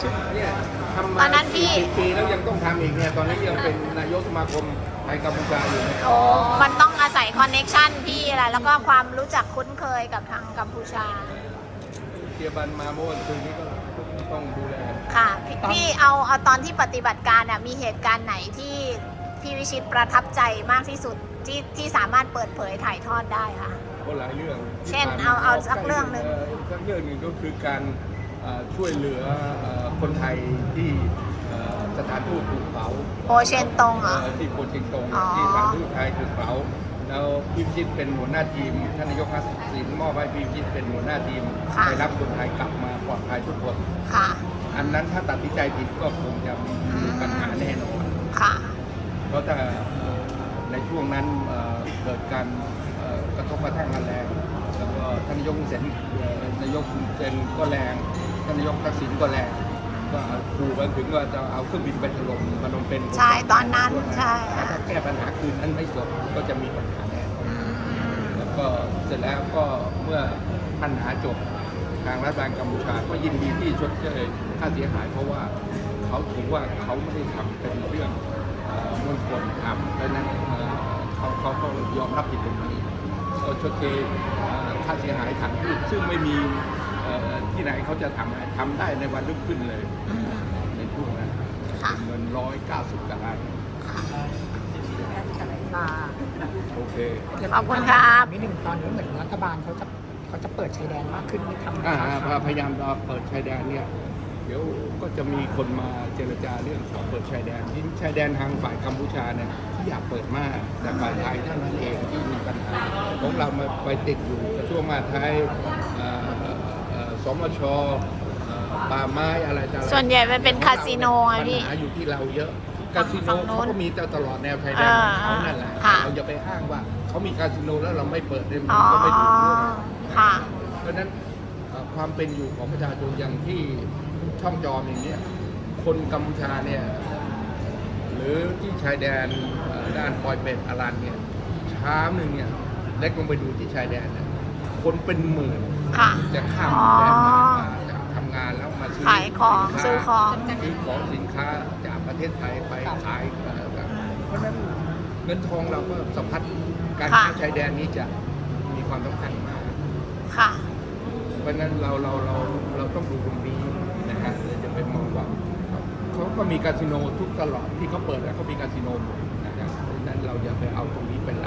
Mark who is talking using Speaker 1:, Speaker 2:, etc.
Speaker 1: เนี่ยทำ
Speaker 2: ต
Speaker 1: มา
Speaker 2: อนนั้นพี่
Speaker 1: 40 ปีแล้วยังต้องทำอีกเนี่ยตอนนี้ยังเป็นนายกสมาคมไทยกัมพูชาอยู่เนี่ย
Speaker 2: โอ้มันต้องอาศัยคอนเน็กชันพี่แหละแล้วก็ความรู้จักคุ้นเคยกับทางกัมพูชา
Speaker 1: เทียบันมาเมื่อวันคืนนี้ก็ต้องดูแล
Speaker 2: ค่ะพี่เอาตอนที่ปฏิบัติการอ่ะมีเหตุการณ์ไหนที่พี่วิชิตประทับใจมากที่สุดที่สามารถเปิดเผยถ่ายทอดได้ค่ะ
Speaker 1: ก็หลายเรื่อง
Speaker 2: เช่น
Speaker 1: ที่ผ่น
Speaker 2: เอาสักเรื่องหนึ่ง
Speaker 1: สักเรื่องหนึ่งก็คือการช่วยเหลือคนไทยที่สถานทูตถูกเผา
Speaker 2: โปเชนตงเหรอ
Speaker 1: ที่โปเชนตง
Speaker 2: อ๋อ
Speaker 1: ที่สถานทูตไทยถูกเผาแล้วพี่พิชิตเป็นหัวหน้าทีมท่านนายกทักษิณมอบให้พี่พิชิตเป็นหัวหน้าทีมไปรับคนไทยกลับมาปลอดภัยทุกคน
Speaker 2: ค่ะ
Speaker 1: อันนั้นถ้าตัดสินใจผิดก็คงจะมีปัญหาแน่นอน
Speaker 2: ค่ะ
Speaker 1: เพราะถ้าในช่วงนั้นเกิดการกระทบกระทั่งกันแรงแล้วก็ท่านนายกนายกเซนก็แรงท่านนายกทักษิณก็แรงก็ขู่กันถึงว่าจะเอาเครื่องบินไปถล่มพนมเปญ
Speaker 2: ใช่ตอนนั้นใช่
Speaker 1: ถ้าแก้ปัญหาคืนนั้นไม่จบก็จะมีปัญหาแน่แล้วก็เสร็จแล้วก็เมื่อปัญหาจบทางรัฐบาลกัมพูชาก็ยินดีที่ชดเชยค่าเสียหายเพราะว่าเขาถือว่าเขาไม่ได้ทำเป็นเรื่องมวลชนทำดังนั้นเขาก็ยอมรับผิดตรงนี้ก็ชดเชยค่าเสียหายทางทูตซึ่งไม่มีที่ไหนเขาจะทำได้ในวันรุ่งขึ้นเลยในช่วงนั้น
Speaker 2: ค่ะ
Speaker 1: เงิน190กว่าล้านโอเค
Speaker 2: ขอบคุณครับ
Speaker 3: นิดหนึ่งตอนนี้เหมือนรัฐบาลเขาจะเปิดชายแดนมากขึ้นที่ทำ
Speaker 1: พยายามเปิดชายแดนเนี่ยเดี๋ยวก็จะมีคนมาเจรจาเรื่องขอเปิดชายแดนที่ชายแดนทางฝ่ายกัมพูชาเนี่ยที่อยากเปิดมากแต่ฝ่ายไทยเท่านั้นเองที่มีปัญหาของเรามาไปติดอยู่กระทรวงมหาดไทยสมชป่าไม้อะไรต่างๆ
Speaker 2: ส่วนใหญ่มันเป็นคาสิโนไงพี่
Speaker 1: ปัญหาอยู่ที่เราเยอะคาสิโน
Speaker 2: ฝั่งโน้น
Speaker 1: เขาก็มีตลอดแนวชายแดนของเขานั่นแหละ
Speaker 2: ค่ะ
Speaker 1: เราอย่าไปอ้างว่าเขามีคาสิโนแล้วเราไม่เปิดได้มั
Speaker 2: อ๋
Speaker 1: น
Speaker 2: อ
Speaker 1: ก็ไม่ถูกเรื่อง
Speaker 2: ค่ะ
Speaker 1: เพราะฉะนั้นความเป็นอยู่ของประชาชนอย่างที่ช่องจอมอย่างเนี้ยคนกัมพูชาเนี่ยหรือที่ชายแดนด้านปอยเป็ดอารันเนี่ยเช้าหนึ่งเนี่ยเล็กลงไปดูที่ชายแดนเนี่ยคนเป็นหมื่น
Speaker 2: ค่ะ
Speaker 1: จะข้าม
Speaker 2: อ๋อ
Speaker 1: แดนมาจะทำงานแล้วมาซื้อ
Speaker 2: ขายของ
Speaker 1: สินค้า
Speaker 2: ซื้อของ
Speaker 1: ซื้อของสินค้าจากประเทศไทยไปขายเพราะฉะนั้นเงินทองเราก็สะพัดการค้าชายแดนนี้จะมีความสำคัญมาก
Speaker 2: ค่ะ
Speaker 1: เพราะฉะนั้นเราต้องดูตรงนี้นะฮะเราจะไปมองว่าเขาก็มีคาสิโนทุกตลอดที่เขาเปิดแล้วเขามีคาสิโนหมดนะครับเพราะฉะนั้นเราอย่าไปเอาตรงนี้เป็นหลัก